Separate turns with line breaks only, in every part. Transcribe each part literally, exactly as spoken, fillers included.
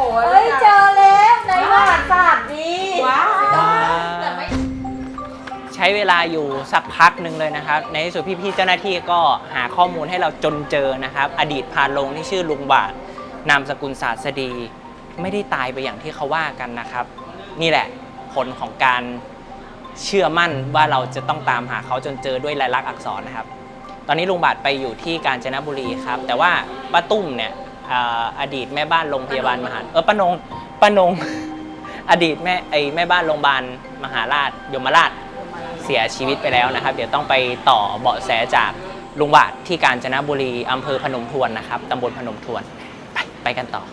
เฮ้ยเจอแล้วในประวัติศาสตร์ดีว้าว
ใช้เวลาอยู่สักพักหนึ่งเลยนะครับในที่สุดพี่ๆเจ้าหน้าที่ก็หาข้อมูลให้เราจนเจอนะครับอดีตพานโรงที่ชื่อลุงบาทนามสกุลศาสดีไม่ได้ตายไปอย่างที่เขาว่ากันนะครับนี่แหละผลของการเชื่อมั่นว่าเราจะต้องตามหาเขาจนเจอด้วยลายลักษณ์อักษรนะครับตอนนี้ลุงบาทไปอยู่ที่กาญจนบุรีครับแต่ว่าป้าตุ้มเนี่ยอดีตแม่บ้านโรงพยาบาลมหาเออป้านงป้านงอดีตแม่ไอแม่บ้านโรงพยาบาลมหาราชยมราชเสียชีวิตไปแล้วนะครับเดี๋ยวต้องไปต่อเบาะแสจากลุงบาทที่กาญจนบุรีอำเภอพนมทวนนะครับตำบลพนมทวนไปไปกันต่อ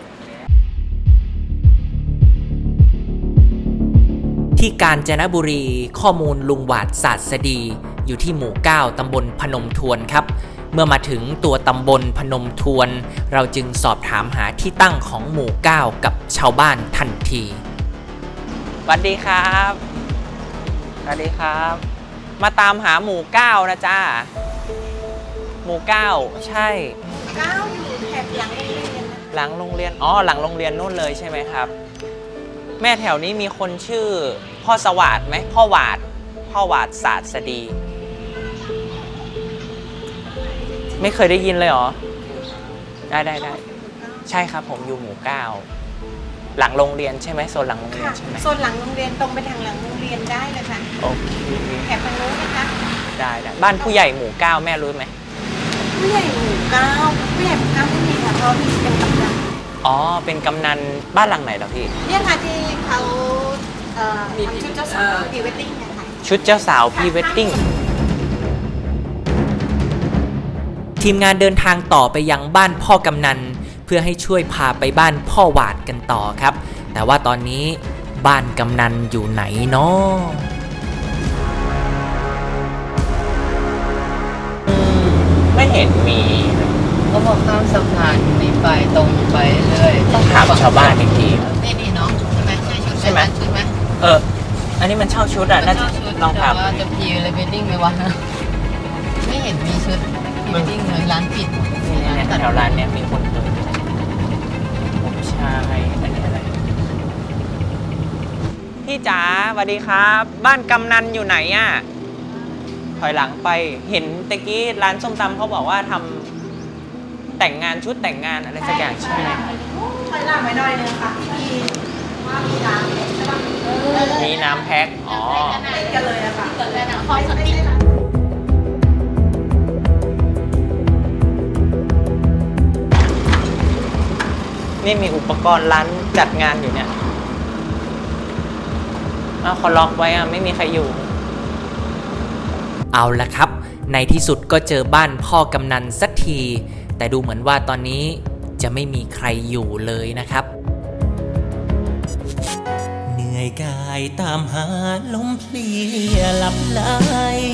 ที่กาญจนบุรีข้อมูลลุงหวาดศาสดีอยู่ที่หมู่เก้าตำบลพนมทวนครับเมื่อมาถึงตัวตำบลพนมทวนเราจึงสอบถามหาที่ตั้งของหมู่เก้ากับชาวบ้านทันทีสวัสดีครับสวัสดีครับมาตามหาหมู่เก้านะจ้าหมู่เก้าใช่
เก้าอยู่แถบหลังโรงเรียน
หลังโรงเรียนอ๋อหลังโรงเรียนนู่นเลยใช่ไหมครับแม่แถวนี้มีคนชื่อพ่อสวัสดิ์ไหมพ่อหวาดพ่อหวาดศาสดีไม่เคยได้ยินเลยเหรอได้ได้ได้ใช่ครับผมอยู่หมู่เก้าหลังโรงเรียนใช่ไหมโซนหลังโรงเรียนใช่ไหม
โซนหลังโรงเรียนตรงไปทางหลังโรงเรียนได้เลยค่ะ
โอเค
แถบทางโน้นนะคะ
ได้ได้บ้านผู้ใหญ่หมู่เก้าแม่รู้ไหม
ผู้ใหญ่หมู่เก้าผู้ใหญ่หมู่เก้าไม่มีค่ะเพราะพี่เป็นกำนัน
อ๋อเป็นกำนันบ้านหลังไหนเหรอพี่
เนี่ยค่ะที่เขาทำชุดเจ้าสาวพรีเวดดิ้งนะคะ
ชุดเจ้าสาวพรีเวดดิ้งทีมงานเดินทางต่อไปยังบ้านพ่อกำนันเพื่อให้ช่วยพาไปบ้านพ่อหวาดกันต่อครับแต่ว่าตอนนี้บ้านกำนันอยู่ไหนเนาะไม่เห็นมี
เขาบอกข้ามสะพานมีไปตรงไปเรื่อย
ต้องถามชาวบ้านอีกที
นี่นี่น้องใช่ไหมใช่ชุดใช่ไหมชุดไหม
เอออันนี้มันเช่าชุดอ่ะน่าจะลองถาม
ว่าจะพีเลยเวดดิ้งไหมวะไม่เห็นมีชุดเวดดิ้งเลยร้านปิด
เนี่ยแถวร้านเนี่ยมีคนเปิดผมชายอันนี้อะไรพี่จ๋าสวัสดีครับบ้านกำนันอยู่ไหนอ่ะถอยหลังไปเห็นตะกี้ร้านส้มตำเขาบอกว่าทำแต่งงานชุดแต่งงานอะไรสักอย่างใช่ไหม
ถอยหลังไปหน่อยนึงค่ะพี่ว่ามีน้ำใช่ปะ
มีน้ำแพ็คอ๋อ
กันเลยอะค่ะเกิดอะไรนะคอยสติ
นี่มีอุปกรณ์ร้านจัดงานอยู่เนี่ยอ้าวเขาล็อกไว้อะไม่มีใครอยู่เอาละครับในที่สุดก็เจอบ้านพ่อกำนันสักทีแต่ดูเหมือนว่าตอนนี้จะไม่มีใครอยู่เลยนะครับเหนื่อยกายตามหาลมเพลียหลับไหล